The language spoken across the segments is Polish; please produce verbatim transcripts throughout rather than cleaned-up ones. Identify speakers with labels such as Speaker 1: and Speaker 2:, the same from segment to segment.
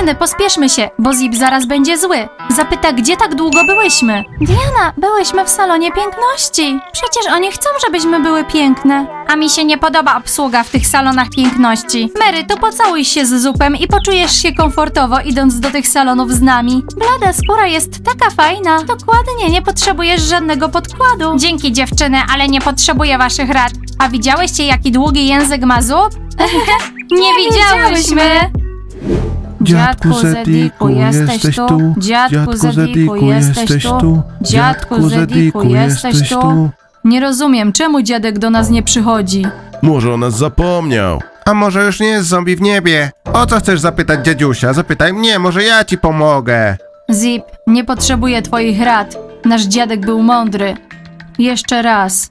Speaker 1: Dziewczyny, pospieszmy się, bo Zip zaraz będzie zły. Zapyta, gdzie tak długo byłyśmy. Diana, byłyśmy w salonie piękności. Przecież oni chcą, żebyśmy były piękne. A mi się nie podoba obsługa w tych salonach piękności. Mary, to pocałuj się z Zupem i poczujesz się komfortowo, idąc do tych salonów z nami. Blada skóra jest taka fajna. Dokładnie, nie potrzebujesz żadnego podkładu. Dzięki, dziewczyny, ale nie potrzebuję waszych rad. A widziałyście, jaki długi język ma Zup? nie, nie widziałyśmy.
Speaker 2: Dziadku Zediku, jesteś tu?
Speaker 1: Dziadku Zediku, jesteś tu? Dziadku Zediku, jesteś tu? Nie rozumiem, czemu dziadek do nas nie przychodzi.
Speaker 2: Może o nas zapomniał.
Speaker 3: A może już nie jest zombie w niebie? O co chcesz zapytać dziadziusia? Zapytaj mnie, może ja ci pomogę.
Speaker 1: Zip, nie potrzebuję twoich rad. Nasz dziadek był mądry. Jeszcze raz.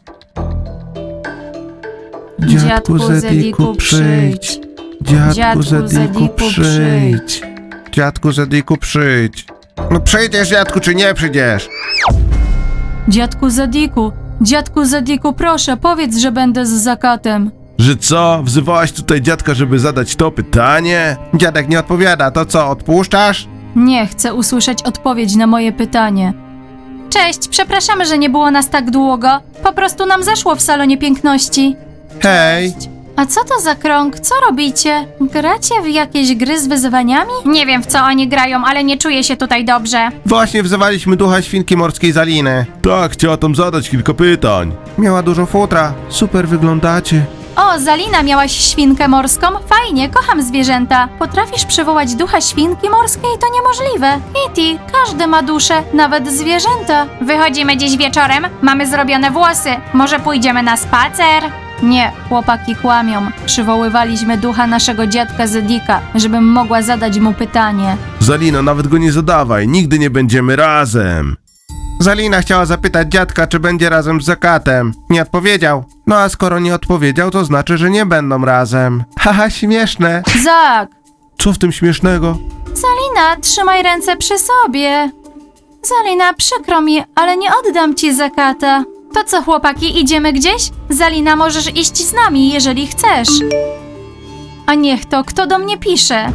Speaker 2: Dziadku Zediku, przyjdź. Dziadku Zediku, przyjdź.
Speaker 3: Dziadku Zediku, przyjdź. No przyjdziesz, dziadku, czy nie przyjdziesz?
Speaker 1: Dziadku Zediku, dziadku Zediku, proszę, powiedz, że będę z Zakatem.
Speaker 2: Że co? Wzywałaś tutaj dziadka, żeby zadać to pytanie?
Speaker 3: Dziadek nie odpowiada, to co, odpuszczasz?
Speaker 1: Nie, chcę usłyszeć odpowiedź na moje pytanie. Cześć, przepraszamy, że nie było nas tak długo. Po prostu nam zaszło w salonie piękności.
Speaker 3: Hej!
Speaker 1: A co to za krąg? Co robicie? Gracie w jakieś gry z wyzwaniami? Nie wiem, w co oni grają, ale nie czuję się tutaj dobrze.
Speaker 3: Właśnie wzywaliśmy ducha świnki morskiej Zaliny.
Speaker 2: Tak, chciała tam zadać kilka pytań.
Speaker 3: Miała dużo futra.
Speaker 2: Super wyglądacie.
Speaker 1: O, Zalina, miałaś świnkę morską? Fajnie, kocham zwierzęta. Potrafisz przywołać ducha świnki morskiej? To niemożliwe. Kitty, każdy ma duszę, nawet zwierzęta. Wychodzimy dziś wieczorem, mamy zrobione włosy. Może pójdziemy na spacer? Nie, chłopaki kłamią. Przywoływaliśmy ducha naszego dziadka Zedika, żebym mogła zadać mu pytanie.
Speaker 2: Zalina, nawet go nie zadawaj, nigdy nie będziemy razem.
Speaker 3: Zalina chciała zapytać dziadka, czy będzie razem z Zakatem. Nie odpowiedział. No a skoro nie odpowiedział, to znaczy, że nie będą razem. Haha, śmieszne.
Speaker 1: Zak!
Speaker 2: Co w tym śmiesznego?
Speaker 1: Zalina, trzymaj ręce przy sobie. Zalina, przykro mi, ale nie oddam ci Zakata. To co, chłopaki, idziemy gdzieś? Zalina, możesz iść z nami, jeżeli chcesz. A niech to, kto do mnie pisze?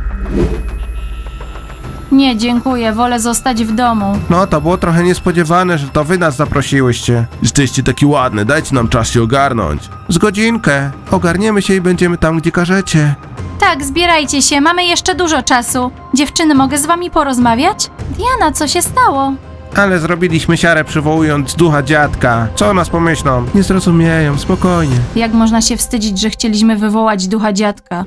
Speaker 1: Nie, dziękuję, wolę zostać w domu.
Speaker 3: No to było trochę niespodziewane, że to wy nas zaprosiłyście.
Speaker 2: Jesteście taki ładny, dajcie nam czas się ogarnąć.
Speaker 3: Z godzinkę. Ogarniemy się i będziemy tam, gdzie każecie.
Speaker 1: Tak, zbierajcie się, mamy jeszcze dużo czasu. Dziewczyny, mogę z wami porozmawiać? Diana, co się stało?
Speaker 3: Ale zrobiliśmy siarę przywołując ducha dziadka. Co o nas pomyślą?
Speaker 2: Nie zrozumieją, spokojnie.
Speaker 1: Jak można się wstydzić, że chcieliśmy wywołać ducha dziadka?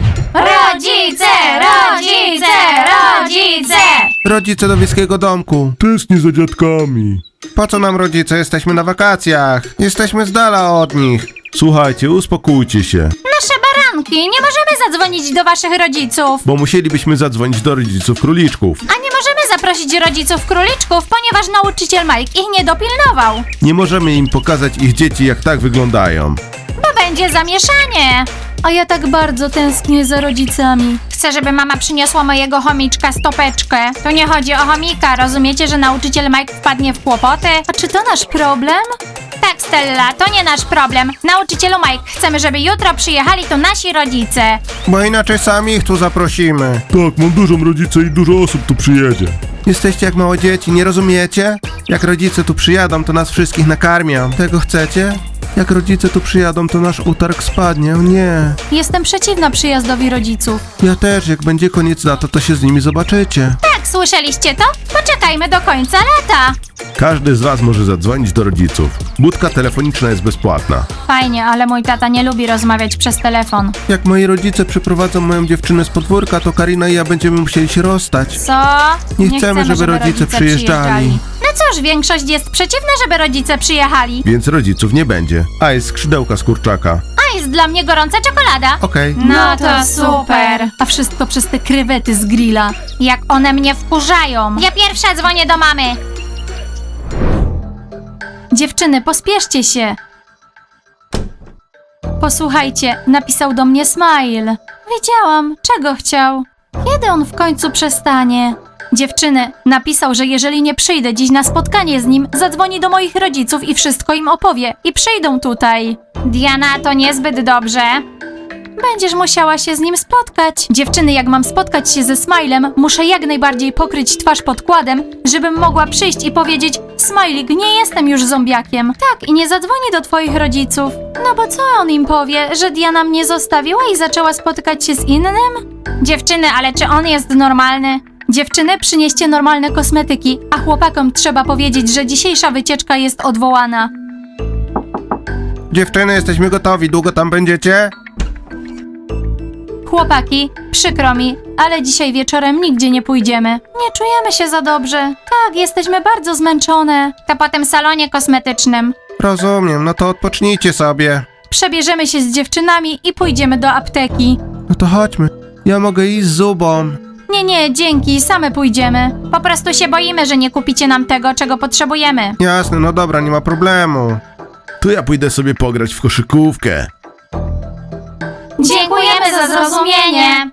Speaker 1: Rodzice! Rodzice! Rodzice!
Speaker 3: Rodzice do wiejskiego domku.
Speaker 2: Tęsknię za dziadkami.
Speaker 3: Po co nam rodzice? Jesteśmy na wakacjach. Jesteśmy z dala od nich.
Speaker 2: Słuchajcie, uspokójcie się,
Speaker 1: Nasze baranki, nie możemy zadzwonić do waszych rodziców.
Speaker 2: bo musielibyśmy zadzwonić do rodziców króliczków.
Speaker 1: A nie możemy zaprosić rodziców króliczków, ponieważ nauczyciel Mike ich nie dopilnował.
Speaker 2: Nie możemy im pokazać ich dzieci, jak tak wyglądają.
Speaker 1: Bo będzie zamieszanie. A ja tak bardzo tęsknię za rodzicami. Chcę, żeby mama przyniosła mojego chomiczka stopeczkę. Tu nie chodzi o chomika, rozumiecie, że nauczyciel Mike wpadnie w kłopoty? A czy to nasz problem? Tak, Stella, to nie nasz problem. Nauczycielu Mike, chcemy, żeby jutro przyjechali tu nasi rodzice.
Speaker 3: Bo inaczej sami ich tu zaprosimy.
Speaker 2: Tak, mam dużą rodzicę i dużo osób tu przyjedzie.
Speaker 3: Jesteście jak małe dzieci, nie rozumiecie? Jak rodzice tu przyjadą, to nas wszystkich nakarmią. Tego chcecie? Jak rodzice tu przyjadą, to nasz utarg spadnie. O nie.
Speaker 1: Jestem przeciwna przyjazdowi rodziców.
Speaker 3: Ja też, jak będzie koniec lata, to się z nimi zobaczycie.
Speaker 1: Tak, słyszeliście to? Poczekajmy do końca lata.
Speaker 2: Każdy z was może zadzwonić do rodziców. Budka telefoniczna jest bezpłatna.
Speaker 1: Fajnie, ale mój tata nie lubi rozmawiać przez telefon.
Speaker 3: Jak moi rodzice przyprowadzą moją dziewczynę z podwórka, to Karina i ja będziemy musieli się rozstać.
Speaker 1: Co?
Speaker 3: Nie chcemy, żeby rodzice przyjeżdżali.
Speaker 1: No cóż, większość jest przeciwna, żeby rodzice przyjechali.
Speaker 2: Więc rodziców nie będzie. A jest skrzydełka z kurczaka.
Speaker 1: A jest dla mnie gorąca czekolada.
Speaker 3: Okej.
Speaker 1: No to super. A wszystko przez te krewety z grilla. Jak one mnie wkurzają. Ja pierwsza dzwonię do mamy. Dziewczyny, pospieszcie się. Posłuchajcie, napisał do mnie Smile. Wiedziałam, czego chciał. Kiedy on w końcu przestanie? Dziewczyny, napisał, że jeżeli nie przyjdę dziś na spotkanie z nim, zadzwoni do moich rodziców i wszystko im opowie. I przyjdą tutaj. Diana, to niezbyt dobrze. Będziesz musiała się z nim spotkać. Dziewczyny, jak mam spotkać się ze Smilem, muszę jak najbardziej pokryć twarz podkładem, żebym mogła przyjść i powiedzieć: Smajlik, nie jestem już zombiakiem. Tak, i nie zadzwoni do twoich rodziców. No bo co on im powie, że Diana mnie zostawiła i zaczęła spotykać się z innym? Dziewczyny, ale czy on jest normalny? Dziewczyny, przynieście normalne kosmetyki, a chłopakom trzeba powiedzieć, że dzisiejsza wycieczka jest odwołana.
Speaker 3: Dziewczyny, jesteśmy gotowi. Długo tam będziecie?
Speaker 1: Chłopaki, przykro mi, ale dzisiaj wieczorem nigdzie nie pójdziemy. Nie czujemy się za dobrze. Tak, jesteśmy bardzo zmęczone. To po tym salonie kosmetycznym.
Speaker 3: Rozumiem, no to odpocznijcie sobie.
Speaker 1: Przebierzemy się z dziewczynami i pójdziemy do apteki.
Speaker 3: No to chodźmy. Ja mogę iść z Zubą.
Speaker 1: Nie, nie, dzięki, same pójdziemy. Po prostu się boimy, że nie kupicie nam tego, czego potrzebujemy.
Speaker 3: Jasne, no dobra, nie ma problemu.
Speaker 2: To ja pójdę sobie pograć w koszykówkę.
Speaker 1: Dziękujemy za zrozumienie.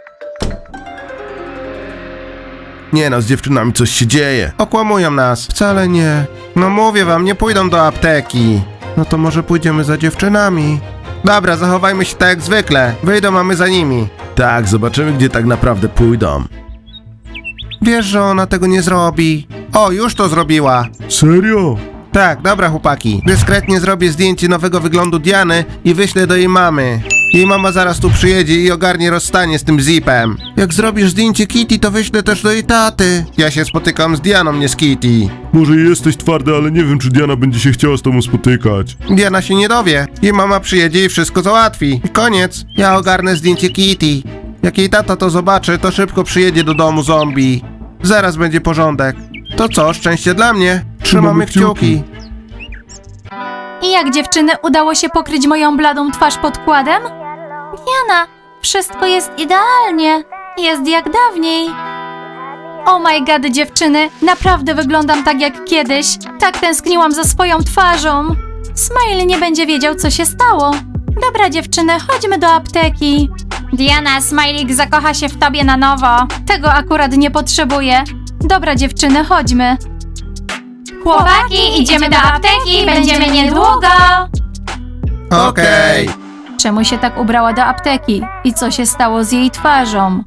Speaker 2: Nie no, z dziewczynami coś się dzieje.
Speaker 3: Okłamują nas. Wcale nie. No mówię wam, nie pójdą do apteki. No to może pójdziemy za dziewczynami. Dobra, zachowajmy się tak jak zwykle. Wyjdą, a my za nimi.
Speaker 2: Tak, zobaczymy, gdzie tak naprawdę pójdą.
Speaker 3: Wiesz, że ona tego nie zrobi. O, już to zrobiła.
Speaker 2: Serio?
Speaker 3: Tak, dobra chłopaki. Dyskretnie zrobię zdjęcie nowego wyglądu Diany i wyślę do jej mamy. Jej mama zaraz tu przyjedzie i ogarnie rozstanie z tym zipem. Jak zrobisz zdjęcie Kitty, to wyślę też do jej taty. Ja się spotykam z Dianą, nie z Kitty.
Speaker 2: Może jesteś twardy, ale nie wiem, czy Diana będzie się chciała z tobą spotykać.
Speaker 3: Diana się nie dowie. Jej mama przyjedzie i wszystko załatwi. I koniec. Ja ogarnę zdjęcie Kitty. Jak jej tata to zobaczy, to szybko przyjedzie do domu zombie. Zaraz będzie porządek. To co, szczęście dla mnie. Trzymamy kciuki.
Speaker 1: I jak dziewczyny, udało się pokryć moją bladą twarz podkładem? Diana, wszystko jest idealnie. Jest jak dawniej. Oh my god, dziewczyny, naprawdę wyglądam tak jak kiedyś. Tak tęskniłam za swoją twarzą. Smile nie będzie wiedział, co się stało. Dobra, dziewczyny, chodźmy do apteki. Diana, Smajlik zakocha się w tobie na nowo. Tego akurat nie potrzebuję. Dobra, dziewczyny, chodźmy. Chłopaki, idziemy do apteki, będziemy niedługo.
Speaker 3: Okej.
Speaker 1: Czemu się tak ubrała do apteki? I co się stało z jej twarzą?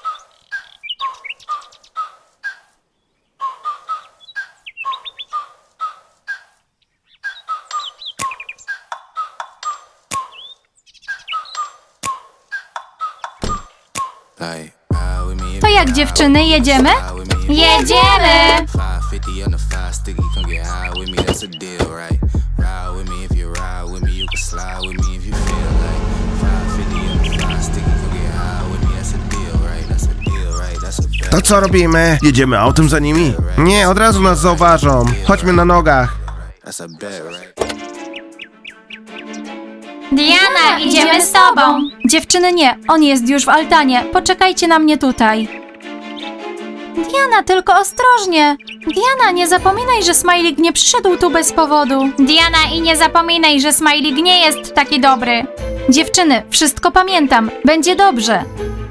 Speaker 1: To jak, dziewczyny, jedziemy? Jedziemy!
Speaker 3: To co robimy?
Speaker 2: Jedziemy autem za nimi?
Speaker 3: Nie, od razu nas zauważą. Chodźmy na nogach.
Speaker 1: Diana, idziemy z tobą! Dziewczyny, nie, on jest już w altanie. Poczekajcie na mnie tutaj. Diana, tylko ostrożnie. Diana, nie zapominaj, że Smajlik nie przyszedł tu bez powodu. Diana, i nie zapominaj, że Smajlik nie jest taki dobry. Dziewczyny, wszystko pamiętam. Będzie dobrze.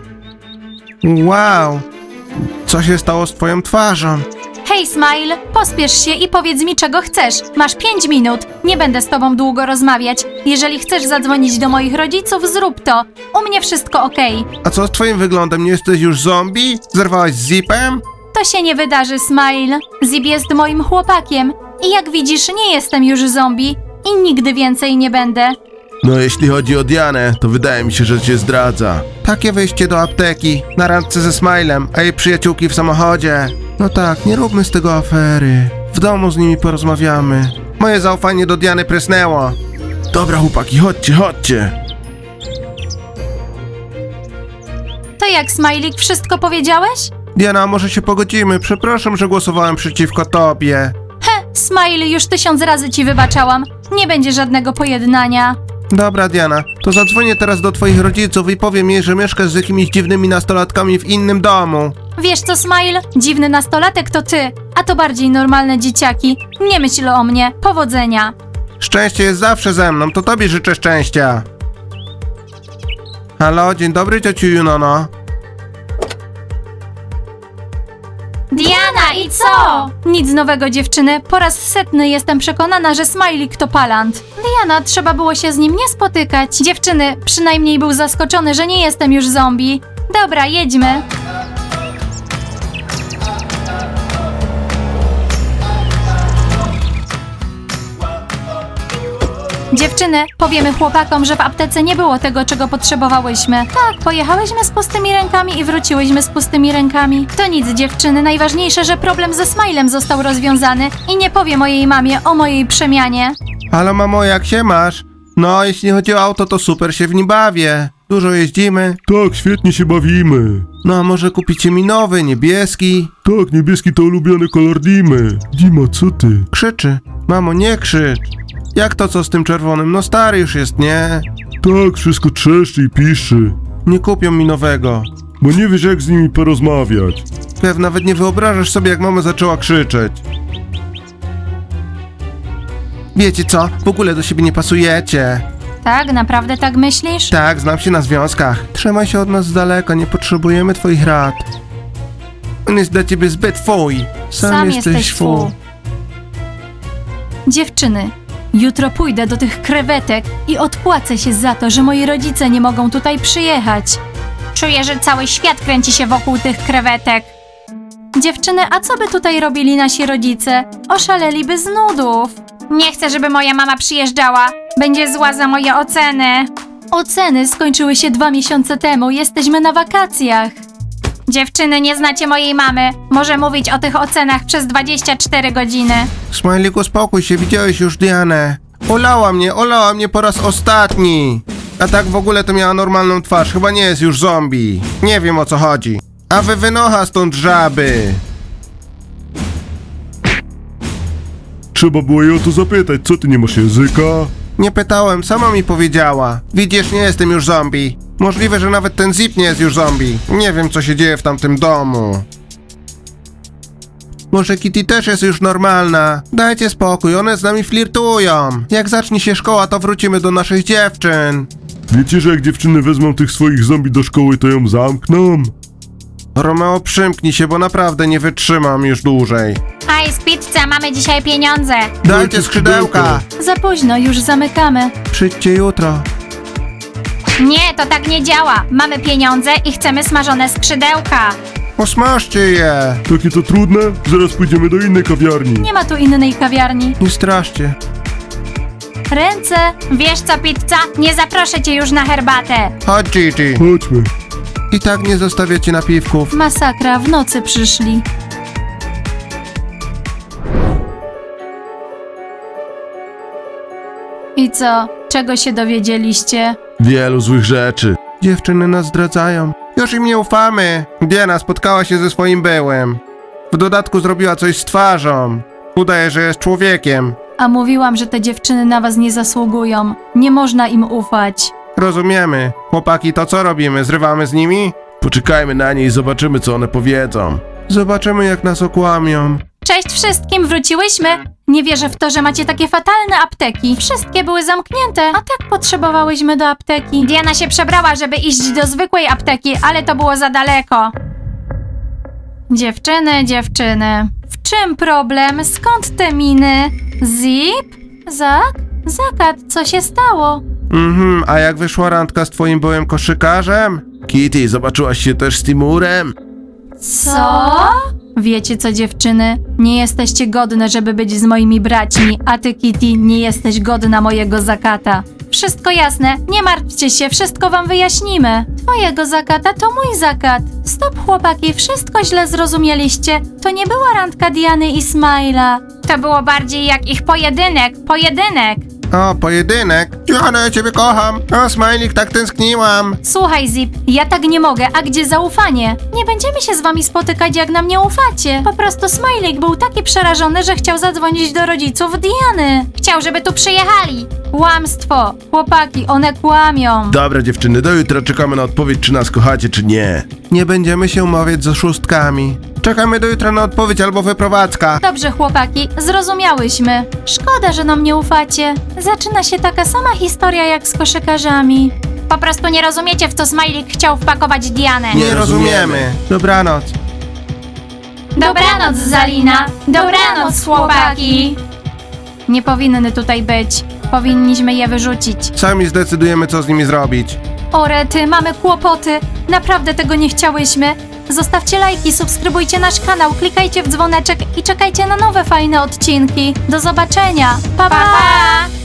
Speaker 3: Wow. Co się stało z twoją twarzą?
Speaker 1: Hej, Smile, pospiesz się i powiedz mi, czego chcesz. Masz pięć minut. Nie będę z tobą długo rozmawiać. Jeżeli chcesz zadzwonić do moich rodziców, zrób to. U mnie wszystko okej.
Speaker 3: A co z twoim wyglądem? Nie jesteś już zombie? Zerwałaś z zipem?
Speaker 1: To się nie wydarzy, Smile. Zip jest moim chłopakiem. I jak widzisz, nie jestem już zombie. I nigdy więcej nie będę.
Speaker 2: No jeśli chodzi o Dianę, to wydaje mi się, że cię zdradza.
Speaker 3: Takie wyjście do apteki, na randce ze Smilem, a jej przyjaciółki w samochodzie. No tak, nie róbmy z tego afery. W domu z nimi porozmawiamy. Moje zaufanie do Diany prysnęło.
Speaker 2: Dobra chłopaki, chodźcie, chodźcie.
Speaker 1: To jak, Smajlik, wszystko powiedziałeś?
Speaker 3: Diana, może się pogodzimy? Przepraszam, że głosowałem przeciwko tobie.
Speaker 1: He, Smile, już tysiąc razy ci wybaczałam. Nie będzie żadnego pojednania.
Speaker 3: Dobra, Diana, to zadzwonię teraz do twoich rodziców i powiem jej, że mieszkasz z jakimiś dziwnymi nastolatkami w innym domu.
Speaker 1: Wiesz co, Smile? Dziwny nastolatek to ty, a to bardziej normalne dzieciaki. Nie myśl o mnie. Powodzenia.
Speaker 3: Szczęście jest zawsze ze mną, to tobie życzę szczęścia. Halo, dzień dobry, ciociu Junono.
Speaker 1: Diana, idź co? Nic nowego, dziewczyny. Po raz setny jestem przekonana, że Smajlik to palant. Diana, trzeba było się z nim nie spotykać. Dziewczyny, przynajmniej był zaskoczony, że nie jestem już zombie. Dobra, jedźmy. Dziewczyny, powiemy chłopakom, że w aptece nie było tego, czego potrzebowałyśmy. Tak, pojechałyśmy z pustymi rękami i wróciłyśmy z pustymi rękami. To nic, dziewczyny, najważniejsze, że problem ze Smilem został rozwiązany i nie powie mojej mamie o mojej przemianie.
Speaker 3: Halo mamo, jak się masz? No, jeśli chodzi o auto, to super się w nim bawię. Dużo jeździmy.
Speaker 2: Tak, świetnie się bawimy.
Speaker 3: No, a może kupicie mi nowy, niebieski?
Speaker 2: Tak, niebieski to ulubiony kolor Dimy. Dima, co ty?
Speaker 3: Krzyczy. Mamo, nie krzycz. Jak to co z tym czerwonym? No stary już jest, nie?
Speaker 2: Tak, wszystko trzeszczy i piszczy.
Speaker 3: Nie kupią mi nowego.
Speaker 2: Bo nie wiesz, jak z nimi porozmawiać.
Speaker 3: Kev, nawet nie wyobrażasz sobie, jak mama zaczęła krzyczeć. Wiecie co? W ogóle do siebie nie pasujecie.
Speaker 1: Tak, naprawdę tak myślisz?
Speaker 3: Tak, znam się na związkach. Trzymaj się od nas z daleka, nie potrzebujemy twoich rad. On jest dla ciebie zbyt fuj. Sam, jesteś fu.
Speaker 1: Dziewczyny, jutro pójdę do tych krewetek i odpłacę się za to, że moi rodzice nie mogą tutaj przyjechać. Czuję, że cały świat kręci się wokół tych krewetek. Dziewczyny, a co by tutaj robili nasi rodzice? Oszaleliby z nudów. Nie chcę, żeby moja mama przyjeżdżała. Będzie zła za moje oceny. Oceny skończyły się dwa miesiące temu. Jesteśmy na wakacjach. Dziewczyny, nie znacie mojej mamy. Może mówić o tych ocenach przez dwadzieścia cztery godziny.
Speaker 3: Smajlik, uspokój się, widziałeś już Dianę. Olała mnie, olała mnie po raz ostatni. A tak w ogóle to miała normalną twarz, chyba nie jest już zombie. Nie wiem o co chodzi. A wy wynocha stąd żaby.
Speaker 2: Trzeba było jej o to zapytać, co ty nie masz języka?
Speaker 3: Nie pytałem, sama mi powiedziała. Widzisz, nie jestem już zombie. Możliwe, że nawet ten Zip nie jest już zombie. Nie wiem, co się dzieje w tamtym domu. Może Kitty też jest już normalna. Dajcie spokój, one z nami flirtują. Jak zacznie się szkoła, to wrócimy do naszych dziewczyn.
Speaker 2: Wiecie, że jak dziewczyny wezmą tych swoich zombie do szkoły, to ją zamkną?
Speaker 3: Romeo, przymknij się, bo naprawdę nie wytrzymam już dłużej.
Speaker 1: Hej, z pizza, mamy dzisiaj pieniądze.
Speaker 3: Dajcie skrzydełka.
Speaker 1: Za późno, już zamykamy.
Speaker 3: Przyjdźcie jutro.
Speaker 1: Nie, to tak nie działa. Mamy pieniądze i chcemy smażone skrzydełka.
Speaker 3: Posmażcie je.
Speaker 2: Takie to trudne? Zaraz pójdziemy do innej kawiarni.
Speaker 1: Nie ma tu innej kawiarni.
Speaker 3: Nie straszcie.
Speaker 1: Ręce. Wiesz co, pizza? Nie zaproszę cię już na herbatę.
Speaker 3: Chodź, Gigi.
Speaker 2: Chodźmy.
Speaker 3: I tak nie zostawiacie napiwków.
Speaker 1: Masakra, w nocy przyszli. I co? Czego się dowiedzieliście?
Speaker 2: Wielu złych rzeczy.
Speaker 3: Dziewczyny nas zdradzają. Już im nie ufamy. Diana spotkała się ze swoim byłym. W dodatku zrobiła coś z twarzą. Udaje, że jest człowiekiem.
Speaker 1: A mówiłam, że te dziewczyny na was nie zasługują. Nie można im ufać.
Speaker 3: Rozumiemy. Chłopaki, to co robimy? Zrywamy z nimi?
Speaker 2: Poczekajmy na nie i zobaczymy, co one powiedzą.
Speaker 3: Zobaczymy, jak nas okłamią.
Speaker 1: Cześć wszystkim, wróciłyśmy! Nie wierzę w to, że macie takie fatalne apteki. Wszystkie były zamknięte, a tak potrzebowałyśmy do apteki. Diana się przebrała, żeby iść do zwykłej apteki, ale to było za daleko. Dziewczyny, dziewczyny. W czym problem? Skąd te miny? Zip? Zak? Zakat, co się stało?
Speaker 3: Mhm, a jak wyszła randka z twoim byłym koszykarzem?
Speaker 2: Kitty, zobaczyłaś się też z Timurem?
Speaker 1: Co? Wiecie co, dziewczyny? Nie jesteście godne, żeby być z moimi braćmi, a ty, Kitty, nie jesteś godna mojego zakata. Wszystko jasne, nie martwcie się, wszystko wam wyjaśnimy. Twojego zakata to mój zakat. Stop, chłopaki, wszystko źle zrozumieliście. To nie była randka Diany i Smile'a. To było bardziej jak ich pojedynek, pojedynek.
Speaker 3: O, pojedynek. Diana, ja ciebie kocham. O, Smajlik, tak tęskniłam.
Speaker 1: Słuchaj, Zip, ja tak nie mogę, a gdzie zaufanie? Nie będziemy się z wami spotykać, jak nam nie ufacie. Po prostu Smajlik był taki przerażony, że chciał zadzwonić do rodziców Diany. Chciał, żeby tu przyjechali. Kłamstwo. Chłopaki, one kłamią.
Speaker 2: Dobra, dziewczyny, do jutra czekamy na odpowiedź, czy nas kochacie, czy nie.
Speaker 3: Nie będziemy się umawiać z oszustkami. Czekamy do jutra na odpowiedź albo wyprowadzka.
Speaker 1: Dobrze, chłopaki, zrozumiałyśmy. Szkoda, że nam nie ufacie. Zaczyna się taka sama historia jak z koszykarzami. Po prostu nie rozumiecie, w co Smajlik chciał wpakować Dianę.
Speaker 3: Nie rozumiemy. Dobranoc.
Speaker 1: Dobranoc, Zalina. Dobranoc, chłopaki. Nie powinny tutaj być. Powinniśmy je wyrzucić.
Speaker 3: Sami zdecydujemy, co z nimi zrobić.
Speaker 1: O rety, mamy kłopoty. Naprawdę tego nie chciałyśmy. Zostawcie lajki, subskrybujcie nasz kanał, klikajcie w dzwoneczek i czekajcie na nowe fajne odcinki. Do zobaczenia. Pa, pa! pa!